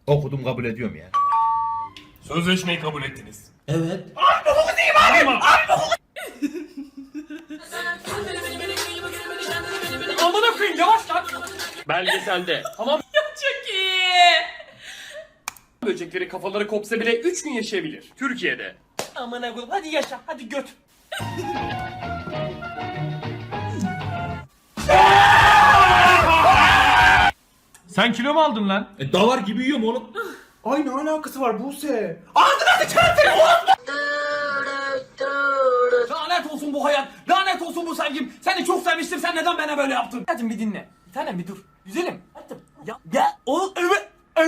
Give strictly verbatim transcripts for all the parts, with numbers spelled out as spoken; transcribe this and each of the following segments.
Okudum, kabul ediyorum ya. Sözleşmeyi kabul ettiniz. Evet. Abi bu değil abi. Abi bu. Amına koyayım yavaş lan. Belgeselde. Tamam. Çok iyi. Böcekleri kafaları kopsa bile üç gün yaşayabilir. Türkiye'de. Amına koyayım hadi yaşa hadi göt. Sen kilo mu aldın lan? E davar gibi yiyorum oğlum. Ay ne alakası var Buse? Lanet olsun bu hayat. Lanet olsun bu sevgim. Seni çok sevmiştim. Sen neden bana böyle yaptın? Hadi bir dinle. Bir tanem bir dur. Güzelim. Hadi. Ya ya o evet.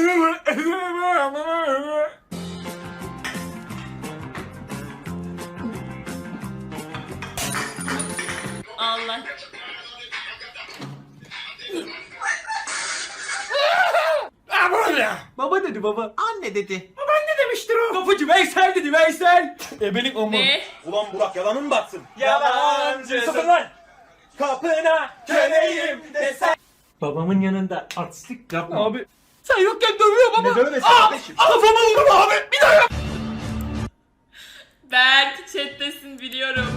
Allah. Baba dedi baba. Anne dedi. Baba ne demiştir o? Kapıcı Veysel dedi Veysel. Ebelik o mu? Ne? Ulan Burak yalanın mı batsın? Yalancı. Sıfır lan! Kapına köleyim desen. Babamın yanında artistlik yapma. Abi. Sen yokken dövüyor baba. Ne dövmesi kardeşim? Kafama vurma abi. Bir daha yap. Berk chat'tesin biliyorum.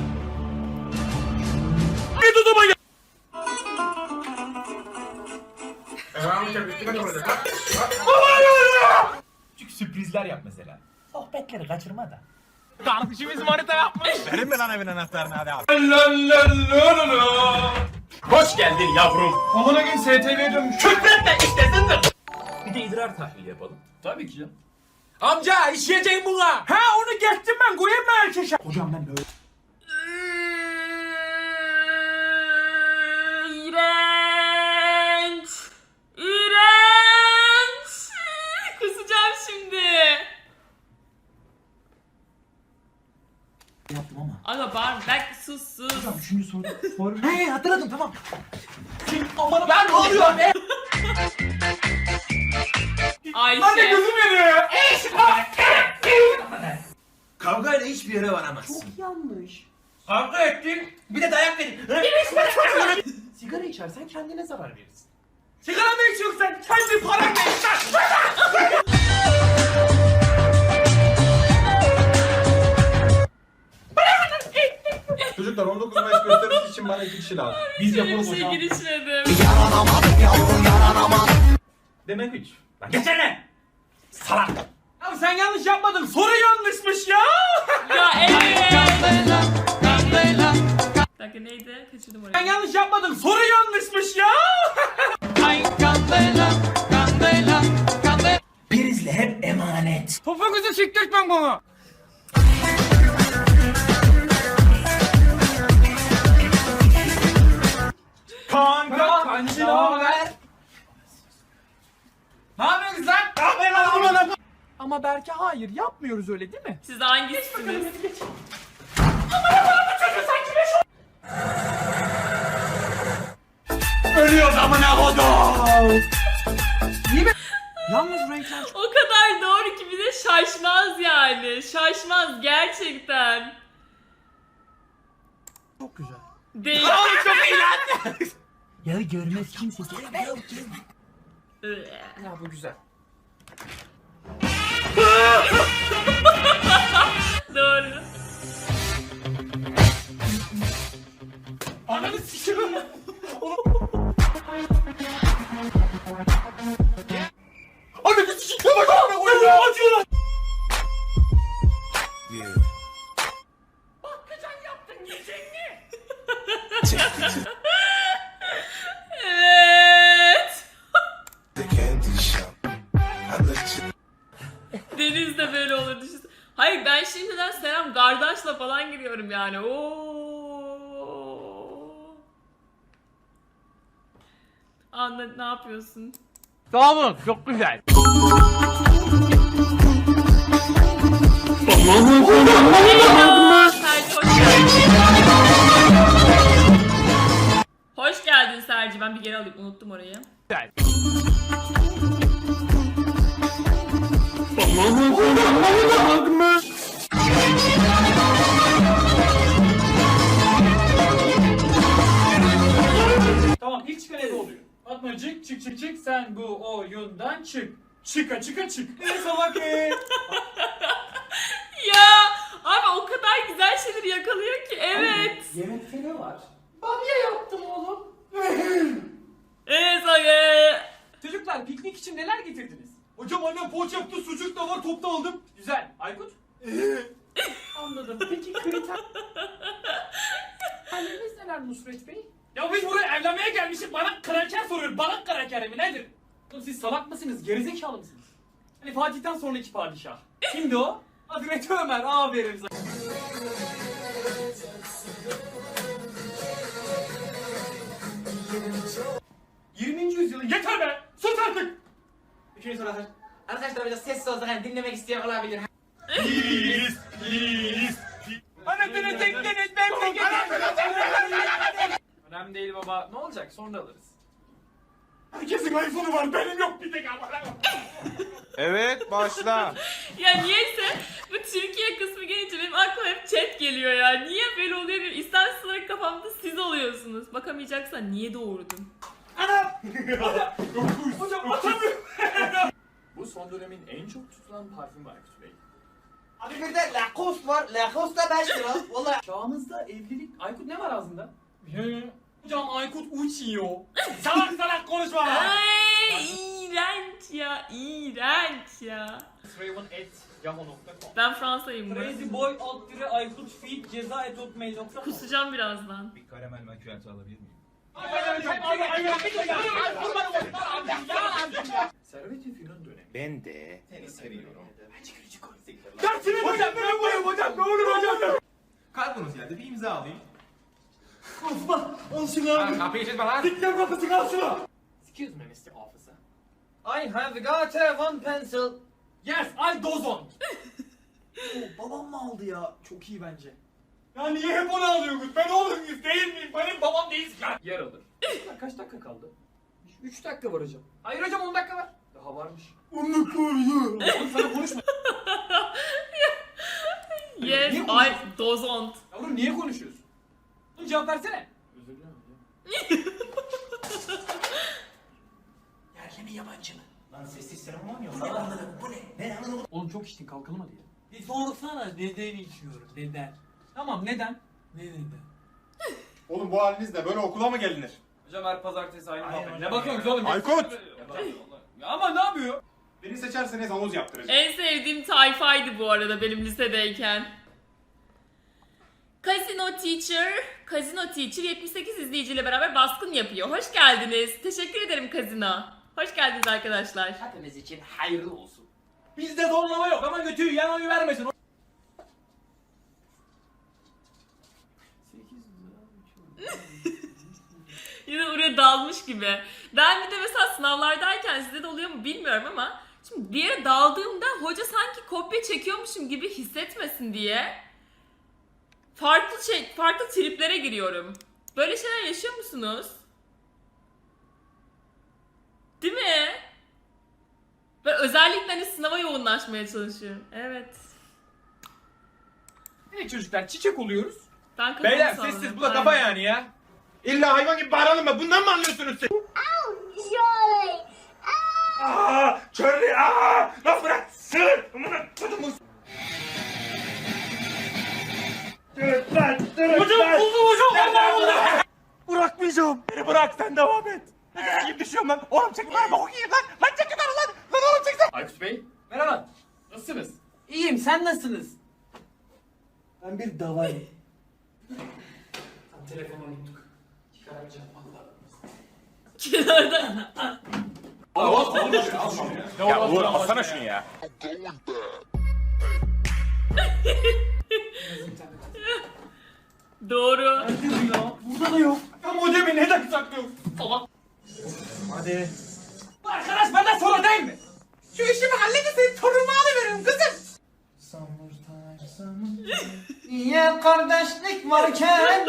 Bir tutuma gel. Küçük sürprizler yap mesela. Sohbetleri kaçırma da. Kardeşimiz manita yapmış. Verin mi lan evin anahtarını hadi abi? Hoş geldin yavrum. Amına gün S T V'ye dönmüş. Küfretme istesin de. Bir de idrar tahlili yapalım. Tabii ki canım. Amca işleyeceğim buna. Ha onu geçtim ben koyayım mı erkeşe? Hocam ben böyle. İğrenç. İğrenç. Kusacağım şimdi. Yaptım ama. Aga bağırma. Berk sus sus. Üçüncü soru. soru. He hatırladım tamam. Kim aman ben ne oluyor be? Ayşe. Anne gözüm yanıyor. Kavgayla hiçbir yere varamazsın. Yanlış. Kavga ettin, bir de dayak verin. Sigara içersen kendine zarar verirsin. Sigara mı içiyorsun sen? Kendi paranla iç lan. Çocuklar on dokuz Mayıs gösterisi için bana iki kişi lazım. Biz Böyle yapalım bir şey hocam. girişmedim. Demek hiç. Lan geçene. Salak. Abi sen yanlış yapmadın. Soru yanlışmış ya. Ya evet. Bir dakika neydi? Kaçırdım Sen orayı. yanlış yapmadın. Soru yanlışmış ya. Prizle hep emanet. Topuğunuzu siktirtmem bana. Kanka kancı ne haber? Ne yapıyorsunuz lan? Ne yapıyorsun lan? Ama Berke hayır yapmıyoruz öyle değil mi? Siz hangisiniz? Ölüyor amına kodum. Yalnız renkler çok... O kadar doğru ki bir de şaşmaz yani. Şaşmaz gerçekten. Çok güzel. Değil. Çok iyi lan. Ya görmez kimse. Ya bu güzel. Doğru. Ananı sikiyorum. Ananı sikiyorum. Bak abi oyunu acıyorlar. Bakkacan yaptın yiyeceğini. Evet. Deniz de böyle olur düşünsene. Hayır ben şimdiden Selam kardeşle falan giriyorum yani. Oo. Anla ne yapıyorsun? Sağ olun. Çok güzel. Serci hoş geldin. Hoş geldin Serci. Ben bir geri alayım. Unuttum orayı. Güzel. Tamam ilk çıkan ebe oluyor. Fatmacık çık çık çık sen bu oyundan çık. Çıka çıka çık. Ne salak e? Ya abi o kadar güzel şeyleri yakalıyor ki evet. Yemekte ne var? Evet abi. Çocuklar piknik için neler getirdiniz? Hocam annem poğaça yaptı, sucuk da var, topta aldım. Güzel. Aykut? Anladım. Peki kriter... Halleriniz neler Nusret Bey? Ya biz buraya evlenmeye gelmişiz. Bana kraker soruyor. Bana kraker mi nedir? Oğlum siz salak mısınız? Gerizekalı mısınız? Hani Fatih'ten sonraki padişah. Kimdi o? Hazreti Ömer. Aferin sana. yirminci yüzyılın yeter be! Sus artık! Üçüncü soru arkadaşlar. Arkadaşlar biraz sessiz olsak hani dinlemek isteyen olabilir. Please, please. Anasını tektiniz ben Önemli değil baba. Ne olacak? Sonra alırız. Herkesin iPhone'u var, benim yok bir tek ama. Evet başla. Ya niyeyse bu Türkiye kısmı gelince benim aklıma hep chat geliyor ya. Niye böyle oluyor bilmiyorum. İstemsiz olarak kafamda siz oluyorsunuz. Bakamayacaksan niye doğurdun? Hocam atamıyorum. Bu son dönemin en çok tutulan parfümü Aykut Bey. Abi bir de Lacoste var. Lacoste da beş lira. Vallahi Çağımızda evlilik... Aykut ne var ağzında? Hocam Aykut uçuyor. Salak salak konuşma lan. Ay iğrenç ya, iğrenç ya. Raven at yahoo nokta com Ben Fransa'yım bu. Crazy boy alt dire Aykut feed ceza et hotmail nokta com. Kusacağım birazdan. Bir karamel makyajı alabilir miyim? Servet-i Fünun dönemi. Ben de seni seviyorum. Dersini hocam ben buyum hocam ne olur hocam. Kalkınız geldi bir imza alayım. Kapıyı çekme lan. Dikkat kapısını al şunu. Excuse me mister Officer. I have got a one pencil. Yes I dozon. Babam mı aldı ya? Çok iyi bence. Ya niye hep onu alıyorsunuz? Ben oğlum muyuz değil miyim? Benim babam değilsin ya. Yer alır. Kaç dakika kaldı? üç dakika var hocam. Hayır hocam on dakika var. Daha varmış. on dakika var ya. Oğlum sana konuşma. Yes, Niye I dozont. Yavrum niye konuşuyorsun? Oğlum cevap versene. Özür dilerim hocam. yerli mi yabancı mı? Lan sessiz serum var mı? Bu ne anladım? Bu ne? Ne anladım? Oğlum çok içtin kalkalım hadi ya. Bir sorsana neden içiyorum neden? Tamam neden? Ne neden? Oğlum bu halinizle böyle okula mı gelinir? Hocam her pazartesi aynı Aynen muhabbet. hocam. Ne bakıyorsun oğlum? Aykut! Ya ama ne yapıyor? Beni seçerseniz havuz yaptıracağım. En sevdiğim tayfaydı bu arada benim lisedeyken. Casino Teacher, Casino Teacher yetmiş sekiz izleyiciyle beraber baskın yapıyor. Hoş geldiniz. Teşekkür ederim Casino. Hoş geldiniz arkadaşlar. Hepimiz için hayırlı olsun. Bizde zorlama yok ama götüyü yan oyu vermesin. Yine oraya dalmış gibi. Ben bir de mesela sınavlardayken sizde de oluyor mu bilmiyorum ama şimdi bir yere daldığımda hoca sanki kopya çekiyormuşum gibi hissetmesin diye farklı şey, farklı triplere giriyorum. Böyle şeyler yaşıyor musunuz? Değil mi? Ben özellikle hani sınava yoğunlaşmaya çalışıyorum. Evet. Evet çocuklar çiçek oluyoruz. Ben kafamı Beyler salladım. sessiz bu da kafa Aynen. yani ya. İlla hayvan gibi bağıralım mı? Bundan mı anlıyorsunuz siz? Aaa! Charlie! Aaa! Lan bırak! Sığır! Amına kodumun! Dırıt lan! Dırıt Hocam lan! buldum hocam. Allah Allah. Bırakmayacağım! Beni bırak sen devam et! Ne gibi düşüyorum lan? Oğlum çek lan! Bok yiyeyim lan! Lan çek lan lan! Lan oğlum çek lan! Aykut Bey merhaba. Nasılsınız? İyiyim sen nasılsınız? Ben bir davayım. Telefonu unuttuk. Çıkaramayacağım valla. Kenarda. Ya Uğur alsana şunu ya! Doğru. Burada da yok. Ya modemi neden saklıyorsun? Salak. Hadi. Bu arkadaş benden sonra değil mi? Şu işimi halledin senin torunumu alıveririm kızım. Summertime, summertime. Niye kardeşlik varken?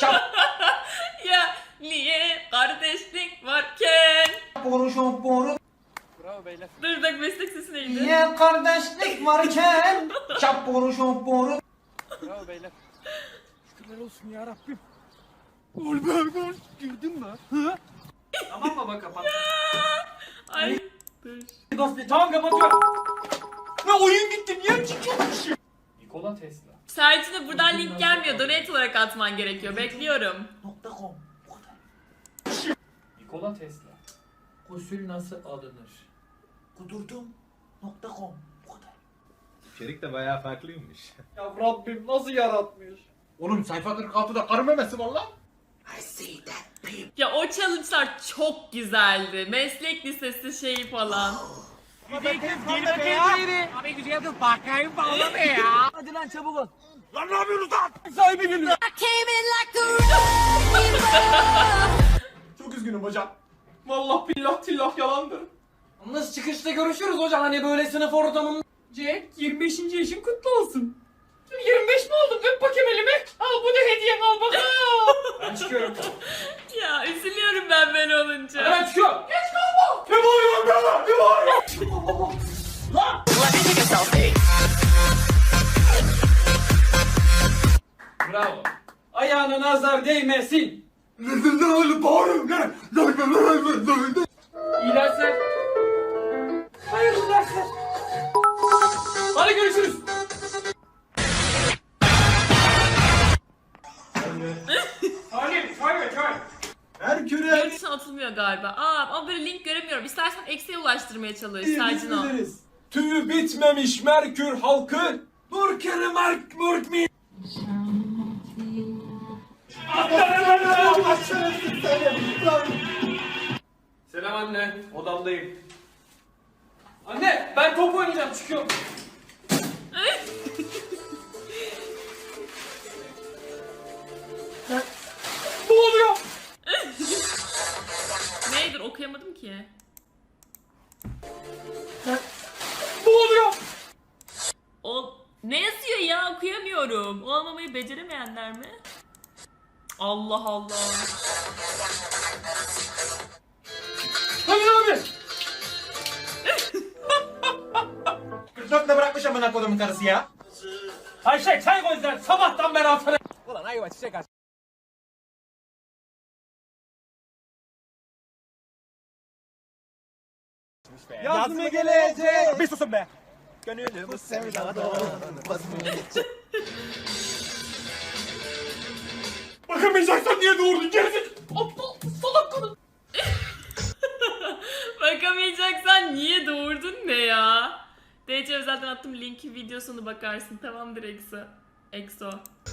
Ya niye kardeşlik varken? Boru şop boru. Dur bak meslek sesi neydi? Niye kardeşlik varken? Çap boru şop boru. Tamam baba kapat. Ay dur. Tamam kapatıyorum. Ne oyun gitti niye çıkıyormuşum? Nikola Tesla. Sercin'e buradan link gelmiyor. Donate olarak atman gerekiyor. Bekliyorum. .com. Bu kadar. Nikola Tesla. Gusül nasıl alınır? Kudurdum. .com. Bu kadar. İçerik de bayağı farklıymış. Ya Rabbim nasıl yaratmış? Oğlum sayfa kırk altıda karı memesi var lan. I see that people. Ya o challenge'lar çok güzeldi. Meslek lisesi şeyi falan. Çok üzgünüm hocam. Vallahi billah tillah yalandır. Nasıl çıkışta görüşürüz hocam hani böyle sınıf ortamında. Jack yirmi beşinci yaşın kutlu olsun. yirmi beş mi oldun? Öp bakayım elimi. Al bu da hediyen al bakalım. Ben çıkıyorum. Ya üzülüyorum ben böyle olunca. Ben çıkıyorum. Geç kalma. Ne bağırıyorsun be? Ne bağırıyorsun? Lan! Bravo. Ayağına nazar değmesin. İyi dersler. Hayırlı dersler. Hadi görüşürüz. Salim, çay ver çay. Herküre. Yurt dışına atılmıyor galiba. Aa ama böyle link göremiyorum. İstersen eksiye ulaştırmaya çalış Sercin o. Tüyü bitmemiş Merkür halkı. Burkeri Merk Murk mi? Selam anne, odamdayım. Anne, ben top oynayacağım, çıkıyorum. Ne oluyor? Neydir okuyamadım ki. Ne oluyor? O ne yazıyor ya okuyamıyorum. Olmamayı beceremeyenler mi? Allah Allah. Hayır abi. kırk dörtte bırakmış amına kodumun karısı ya. Ayşe çay koy sen, sabahtan beri altına. Yaz mı gelecek? Bir susun be. Gönlümü sevdadan Bakamayacaksan niye doğurdun gerizekalı? Aptal, salak kadın. Bakamayacaksan niye doğurdun ne ya? D C zaten attım linki videosunu bakarsın. Tamamdır Exo. Exo.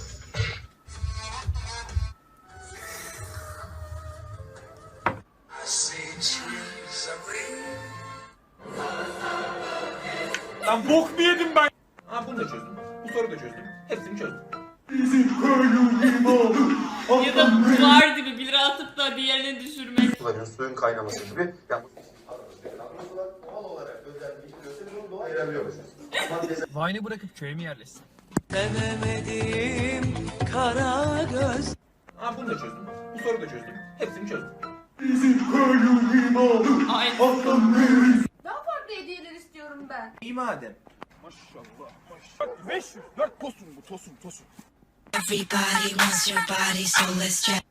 Lan bok mu yedim ben? Ha bunu da çözdüm. Bu soruyu da çözdüm. Hepsini çözdüm. Ya da duvar gibi bir lira atıp da diğerini düşürmek. Suların suyun kaynaması gibi. Yani doğal olarak özelliği gösteriyor, doğal ayırabiliyoruz. Vine'ı bırakıp köye mi yerleşsin? Ha bunu da çözdüm. Bu soruyu da çözdüm. Hepsini çözdüm. Ay. Daha farklı hediyeler istiyorum ben. İyi madem. beş yüz dört tosun bu tosun tosun. Everybody wants your body, so let's check.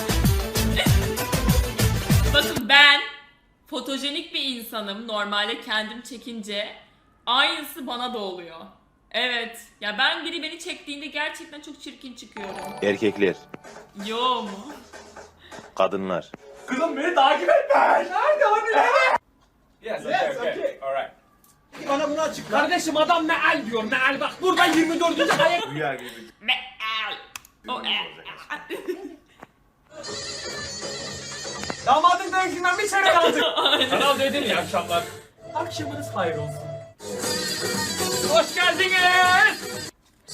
Bakın ben fotojenik bir insanım. Normalde kendim çekince aynısı bana da oluyor. Evet. Ya ben biri beni çektiğinde gerçekten çok çirkin çıkıyorum. Erkekler, Yo mu? kadınlar. Kızım beni takip etme. Nerede hani nerede? Yes, okay, okay. Alright. Bana bunu açıkla. Kardeşim adam meal diyor, meal bak burada yirmi dördüncü ayak. Rüya gibi. Meal. O e. Damadın dövüşünden bir çeyrek aldık. Aynen. Kanal dedin iyi akşamlar. Akşamınız hayır olsun. Hoş geldiniz.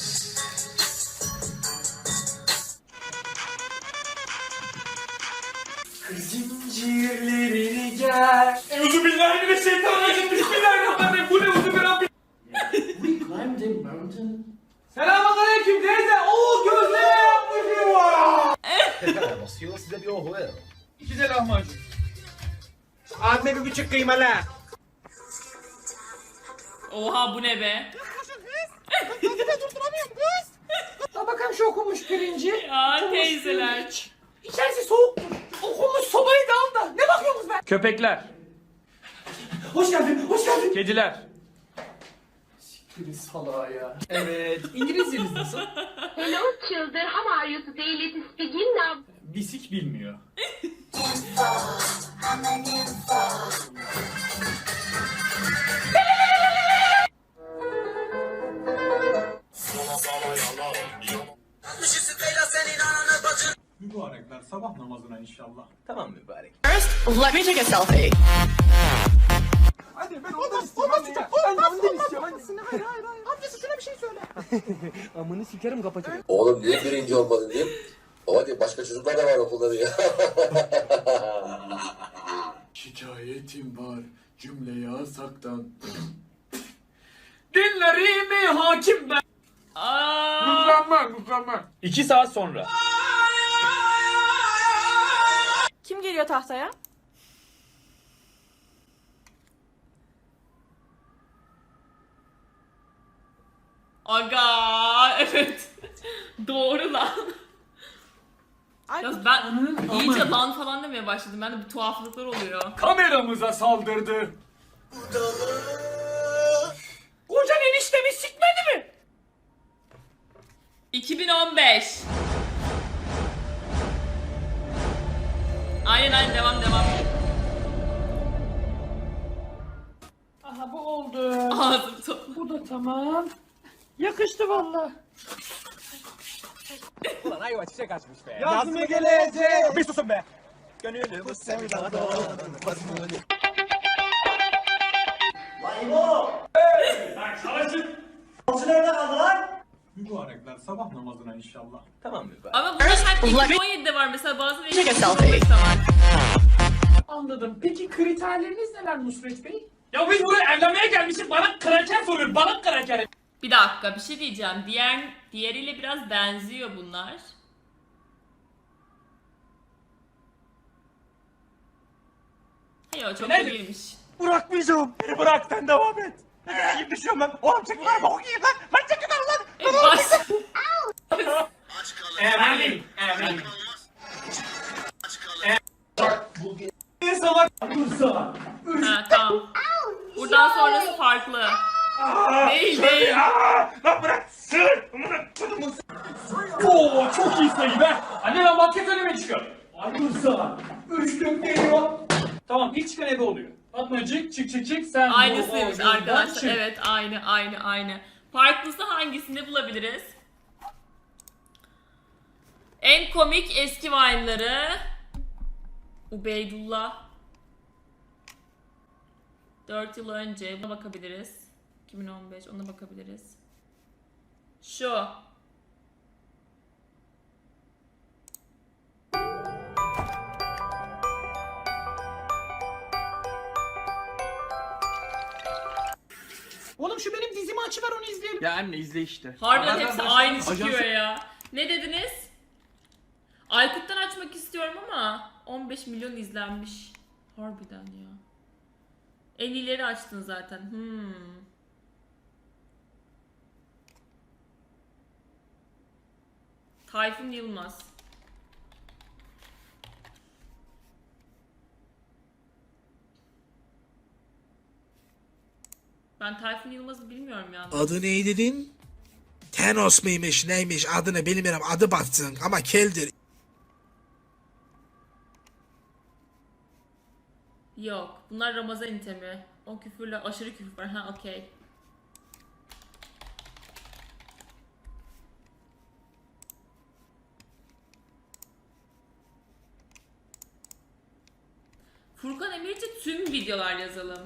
Zincirlerini gel. Euzubillahimineşşeytanirracim. Bismillahirrahmanirrahim. Bu ne uzubillahimineşşeytanirracim. Selamünaleyküm teyze. Oo gözleme yapmışım var. Basıyor size bir oho ver. İki de lahmacun. Abime bir buçuk kıymalı. Oha bu ne be? Ha bakalım şu okunmuş pirinci. Ya teyzeler. İçerisi soğuk. Okunmuş sobayı da al da. Ne bakıyorsunuz be? Köpekler. Hoş geldin, hoş geldin. Kediler. Siktirin salağa ya. Evet, İngilizceniz nasıl? Hello children, how are you today? Let's begin now. Bisik bilmiyor. Mübarekler sabah namazına inşallah. Tamam mübarek. Let me take a selfie. Hadi ben ondan istiyorum. Hadi ya. Ben de ondan istiyorum. Hadi. Hayır hayır hayır. Amcası şuna bir şey söyle. Amını sikerim kapatırım. Oğlum niye birinci olmadın diyeyim. Baba diyor başka çocuklar da var okulda diyor. Şikayetim var cümle yasaktan. Dinlerimi hakim ben. Aa, Mükemmel mükemmel. İki saat sonra. Kim geliyor tahtaya? aga evet. Doğru lan. Yalnız ben iyice lan falan demeye başladım. Bende bir tuhaflıklar oluyor. Kameramıza saldırdı. Kocan eniştemi sikmedi mi? iki bin on beş. Aynen aynen devam devam. Aha bu oldu. Ağzım toplu. Bu da tamam. Yakıştı valla. Ulan ayva çiçek açmış be. Yaz mı gelecek? Bir susun be. Gönlüm bu sevdada. Mübarekler sabah namazına inşallah. Tamam mübarek. Ama bu da sanki iki bin on yedide var mesela bazı Take a iki bin on selfie. beşte var. Anladım. Peki kriterleriniz neler Nusret Bey? Ya biz buraya evlenmeye gelmişiz. Bana kraker soruyor. Bana kraker. Bir dakika bir şey diyeceğim. Diğer diğeriyle biraz benziyor bunlar. Hayır o çok da Nedir? değilmiş. Bırakmayacağım. Beni bırak sen devam et. Ne kadar gibi düşüyorum lan. Oğlum çekin lan bok yiyeyim lan. Lan çekin lan lan. E, bas. Emin. Emin. Ne salak kursa. Ha tamam. Buradan sonrası farklı. Değil değil. Aa, lan bırak. Sır. Amına kodumun. Oo çok iyi sayı be. Anne ben basket önüme çıkıyor. Ay kursa. Üçlük geliyor. Tamam ilk çıkan ebe oluyor. Fatmacık çık çık çık sen bu Aynısıymış oyundan arkadaşlar. çık. Evet aynı aynı aynı. Farklısı hangisini bulabiliriz? En komik eski Vine'ları. Ubeydullah. dört yıl önce buna bakabiliriz. iki bin on beş ona bakabiliriz. Şu. Oğlum şu benim dizimi açıver onu izleyelim. Ya anne izle işte. Harbiden Nereden hepsi başladın? aynı çıkıyor Ajansı- ya. Ne dediniz? Aykut'tan açmak istiyorum ama on beş milyon izlenmiş. Harbiden ya. En iyileri açtın zaten. Hmm. Tayfun Yılmaz. Ben Tayfun Yılmaz'ı bilmiyorum ya. Adı ne dedin? Thanos mıymış neymiş adını bilmiyorum adı batsın ama keldir. Yok. Bunlar Ramazan itemi. O küfürler aşırı küfür var. Ha okey. Furkan Emirci tüm videolar yazalım.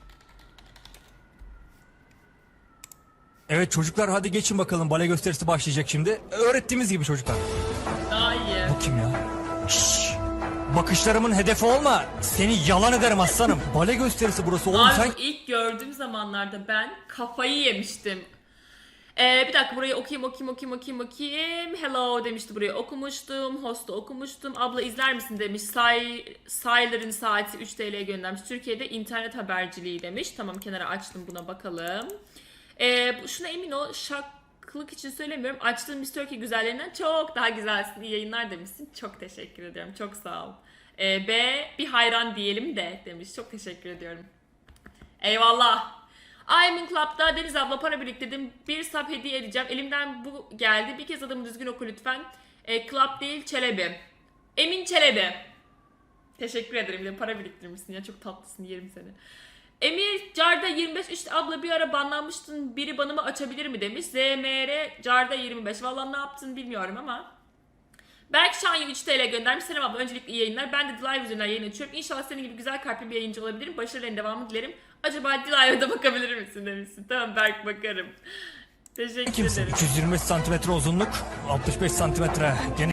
Evet çocuklar hadi geçin bakalım bale gösterisi başlayacak şimdi. Öğrettiğimiz gibi çocuklar. Daha iyi. Bu kim ya? Şşş. Bakışlarımın hedefi olma. Seni yalan ederim aslanım. Bale gösterisi burası oğlum Abi sen. bu ilk gördüğüm zamanlarda ben kafayı yemiştim. Ee, bir dakika burayı okuyayım okuyayım okuyayım okuyayım okuyayım. Hello demişti burayı okumuştum. Host'u okumuştum. Abla izler misin demiş. Say, Saylar'ın saati üç T L'ye göndermiş. Türkiye'de internet haberciliği demiş. Tamam kenara açtım buna bakalım. Ee, şuna emin ol şaklık için söylemiyorum. Açtığım Miss Turkey güzellerinden çok daha güzelsin. İyi yayınlar demişsin. Çok teşekkür ediyorum. Çok sağ ol. Ee, B bir hayran diyelim de demiş. Çok teşekkür ediyorum. Eyvallah. Aymin Club'da Deniz abla para biriktirdim. Bir sub hediye edeceğim. Elimden bu geldi. Bir kez adımı düzgün oku lütfen. E, Club değil Çelebi. Emin Çelebi. Teşekkür ederim. Bir de para biriktirmişsin ya. Çok tatlısın. Yerim seni. Emir Carda yirmi beş. İşte abla bir ara banlanmıştın. Biri banımı açabilir mi demiş. Z M R Carda yirmi beş. Vallahi ne yaptın bilmiyorum ama. Belki Şanya üç T L göndermiş. Selam abla. Öncelikle iyi yayınlar. Ben de Live üzerinden yayın açıyorum. İnşallah senin gibi güzel kalpli bir yayıncı olabilirim. Başarıların devamını dilerim. Acaba Live'a da bakabilir misin demişsin. Tamam Berk bakarım. Teşekkür Kimsin? ederim. iki yüz yirmi beş santimetre uzunluk, altmış beş santimetre geniş.